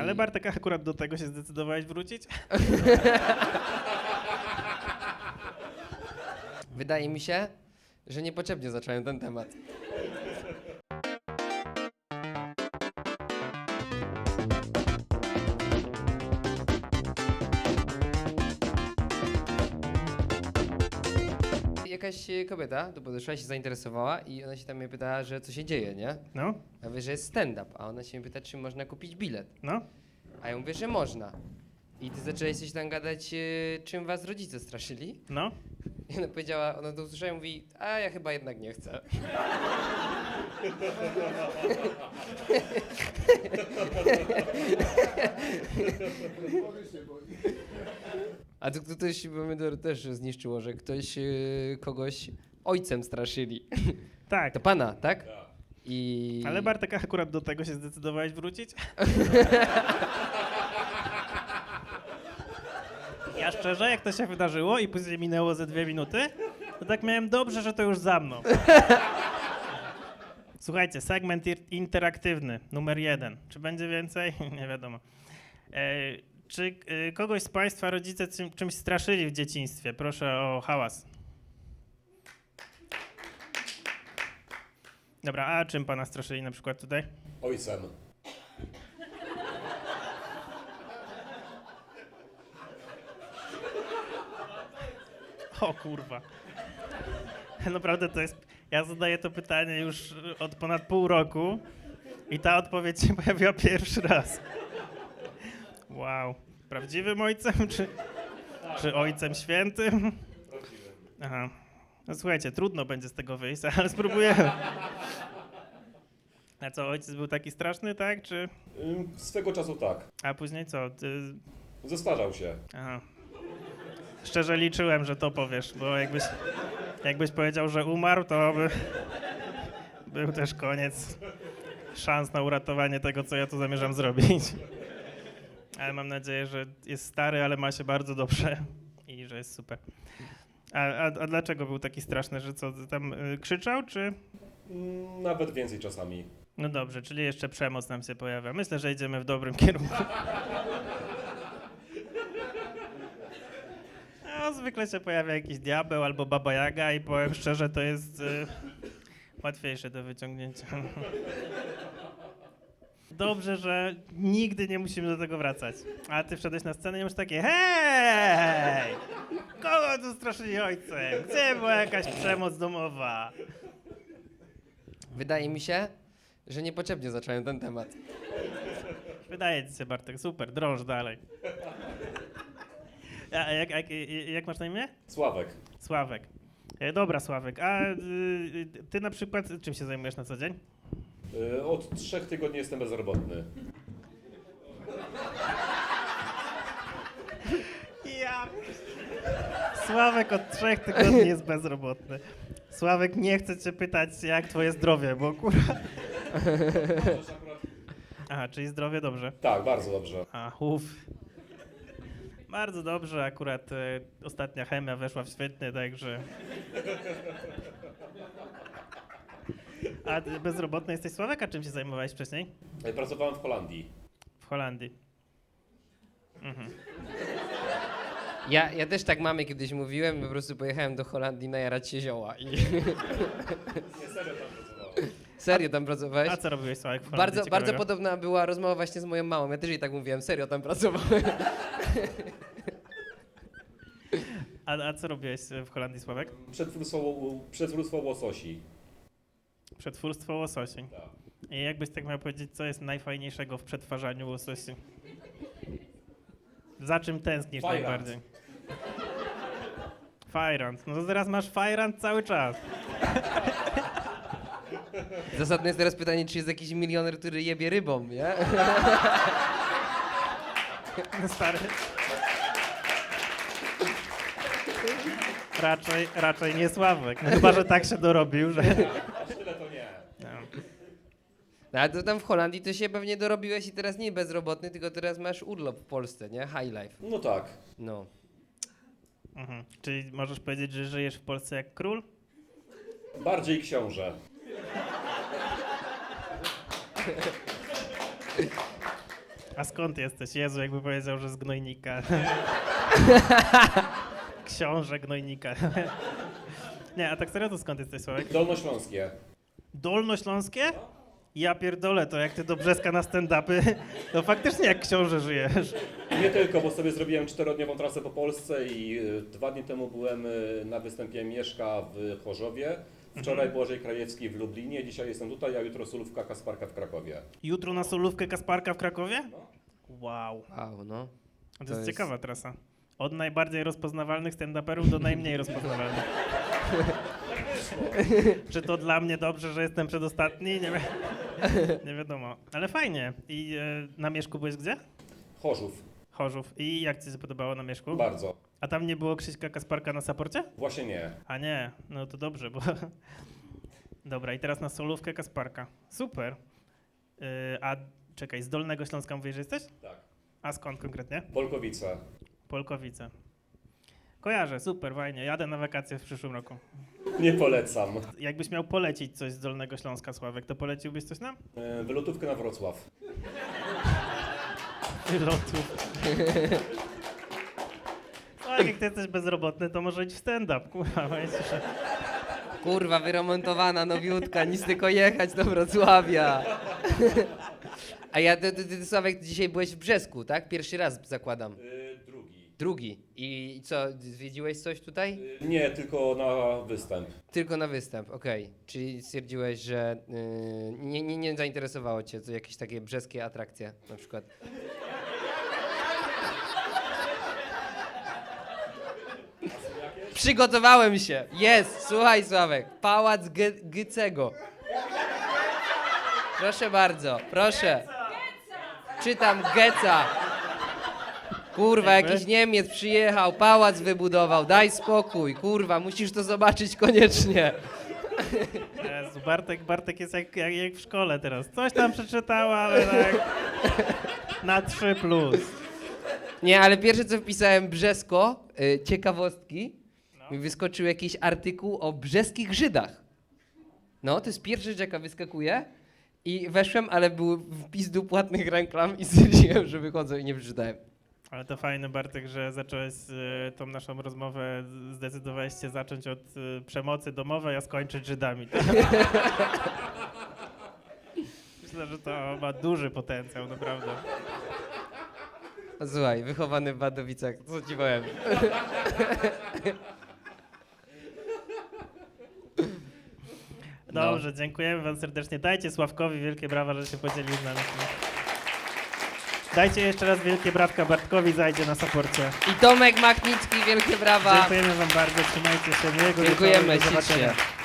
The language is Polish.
Ale Bartek, akurat do tego się zdecydowałeś wrócić? Wydaje mi się, że niepotrzebnie zacząłem ten temat. Jakaś kobieta tu podeszła, się zainteresowała i ona się tam mnie pytała, że co się dzieje, nie? No, Ja mówię, że jest stand-up, a ona się mnie pyta, czy można kupić bilet. no. A ja mówię, że można. I ty zaczęłaś coś tam gadać, czym was rodzice straszyli. No. I ona powiedziała, ona to usłyszała i mówi, a ja chyba jednak nie chcę. A tu ktoś pomidor też zniszczyło, że ktoś kogoś ojcem straszyli. Tak. To pana, tak? I... Ale Bartek, akurat do tego się zdecydowałeś wrócić? Ja szczerze, jak to się wydarzyło i później minęło ze 2 minuty, to tak miałem dobrze, że to już za mną. Słuchajcie, segment interaktywny, numer 1. Czy będzie więcej? Nie wiadomo. Czy kogoś z Państwa rodzice czymś straszyli w dzieciństwie? Proszę o hałas. Dobra, a czym Pana straszyli na przykład tutaj? Ojcem. O kurwa. Naprawdę to jest... Ja zadaję to pytanie już od ponad pół roku i ta odpowiedź się pojawiła pierwszy raz. Wow. Prawdziwym ojcem, czy ojcem świętym? Prawdziwym. Aha. No słuchajcie, trudno będzie z tego wyjść, ale spróbujemy. A co, ojciec był taki straszny, tak? Czy... Swego czasu tak. A później co? Zestarzał się. Aha. Szczerze liczyłem, że to powiesz, bo jakbyś powiedział, że umarł, to by był też koniec szans na uratowanie tego, co ja tu zamierzam zrobić. Ale mam nadzieję, że jest stary, ale ma się bardzo dobrze i że jest super. A dlaczego był taki straszny, że co, tam krzyczał, czy... Nawet więcej czasami. No dobrze, czyli jeszcze przemoc nam się pojawia. Myślę, że idziemy w dobrym kierunku. No, zwykle się pojawia jakiś diabeł albo baba Jaga i powiem szczerze, to jest łatwiejsze do wyciągnięcia. Dobrze, że nigdy nie musimy do tego wracać. A ty wszedłeś na scenę i masz takie hej! Kogo tu straszyli ojcem? Gdzie była jakaś przemoc domowa? Wydaje mi się, że niepotrzebnie zacząłem ten temat. Wydaje ci się, Bartek, super, drąż dalej. A jak masz na imię? Sławek. Sławek. Dobra, Sławek, a ty na przykład czym się zajmujesz na co dzień? Od 3 tygodni jestem bezrobotny. Ja. Sławek od 3 tygodni jest bezrobotny. Sławek, nie chcę cię pytać, jak twoje zdrowie, bo kurwa... Aha, czyli zdrowie dobrze. Tak, bardzo dobrze. A, Bardzo dobrze, akurat ostatnia chemia weszła w świetnie, także... A ty bezrobotny jesteś, Sławek? A czym się zajmowałeś wcześniej? Pracowałem w Holandii. W Holandii. Mhm. Ja też tak mamie kiedyś mówiłem, po prostu pojechałem do Holandii najarać się zioła i... Nie, serio tam pracowałem. Serio tam pracowałeś? A co robiłeś, Sławek, w Holandii Bardzo ciekawego? podobna była rozmowa właśnie z moją mamą. Ja też jej tak mówiłem, serio tam pracowałem. A co robiłeś w Holandii, Sławek? Przetwórstwo łososi. Przetwórstwo łososi. Tak. I jakbyś tak miał powiedzieć, co jest najfajniejszego w przetwarzaniu łososi? Za czym tęsknisz Fajrant. najbardziej? Fajrant. No to teraz masz fajrant cały czas. Zasadne jest teraz pytanie, czy jest jakiś milioner, który jebie rybą, nie? No stary. Raczej nie Sławek. No chyba, że tak się dorobił, że... Aż tyle to nie. No. No, ale to tam w Holandii to się pewnie dorobiłeś i teraz nie bezrobotny, tylko teraz masz urlop w Polsce, nie? High life. No tak. No. Mhm. Czyli możesz powiedzieć, że żyjesz w Polsce jak król? Bardziej książę. A skąd jesteś? Jezu, jakby powiedział, że z Gnojnika. Książę Gnojnika. Nie, a tak serio to skąd jesteś, Sławek? Dolnośląskie. Dolnośląskie? Ja pierdolę, to jak ty do Brzeska na stand-upy, to faktycznie jak książę żyjesz. Nie tylko, bo sobie zrobiłem 4-dniową trasę po Polsce i 2 dni temu byłem na występie Mieszka w Chorzowie. Wczoraj Błażej Krajewski w Lublinie, dzisiaj jestem tutaj, a jutro Solówka Kasparka w Krakowie. Jutro na solówkę Kasparka w Krakowie? No. Wow. Wow, no. To To jest jest- ciekawa trasa. Od najbardziej rozpoznawalnych stand-uperów do najmniej rozpoznawalnych. Czy to dla mnie dobrze, że jestem przedostatni? Nie wiadomo. Ale fajnie. I na Mieszku byłeś gdzie? Chorzów. Chorzów. I jak ci się podobało na Mieszku? Bardzo. A tam nie było Krzyśka Kasparka na saporcie? Właśnie nie. A nie, no to dobrze, bo... Dobra, i teraz na solówkę Kasparka. Super. A czekaj, z Dolnego Śląska mówisz, że jesteś? Tak. A skąd konkretnie? Polkowice. Polkowice. Kojarzę, super, fajnie. Jadę na wakacje w przyszłym roku. Nie polecam. Jakbyś miał polecić coś z Dolnego Śląska, Sławek, to poleciłbyś coś nam? Wylotówkę na Wrocław. Lotów. Sławek, jak ty jesteś bezrobotny, to może idź w stand-up, kurwa. Myślisz, że... Kurwa, wyremontowana, nowiutka, nic tylko jechać do Wrocławia. A ja, ty, Sławek, dzisiaj byłeś w Brzesku, tak? Pierwszy raz zakładam. Drugi. Drugi. I co, zwiedziłeś coś tutaj? Nie, tylko na występ. Tylko na występ, okej. Czyli stwierdziłeś, że nie zainteresowało cię to jakieś takie brzeskie atrakcje na przykład. Przygotowałem się. Jest, słuchaj Sławek. Pałac Gycego. Proszę bardzo, proszę. Czytam Geca. Kurwa, jakiś Niemiec przyjechał, pałac wybudował, daj spokój, kurwa, musisz to zobaczyć koniecznie. Jezu, Bartek jest jak w szkole teraz. Coś tam przeczytała, ale tak na 3+. Nie, ale pierwsze co wpisałem Brzesko, ciekawostki, mi wyskoczył jakiś artykuł o brzeskich Żydach. No, to jest pierwsza rzecz, jaka wyskakuje i weszłem, ale był wpis do płatnych reklam i stwierdziłem, że wychodzę i nie przeczytałem. Ale to fajne, Bartek, że zacząłeś tą naszą rozmowę, zdecydowałeś się zacząć od przemocy domowej, a skończyć Żydami. Myślę, że to ma duży potencjał, naprawdę. No, słuchaj, wychowany w Wadowicach, co ci powiem. Dobrze, dziękujemy wam serdecznie. Dajcie Sławkowi wielkie brawa, że się podzielił z nami. Dajcie jeszcze raz wielkie brawka Bartkowi, zajdzie na saporcie. I Tomek Machnicki, wielkie brawa. Dziękujemy wam bardzo, trzymajcie się, miłego Dziękujemy, wieczoru i do zobaczenia. ślicznie.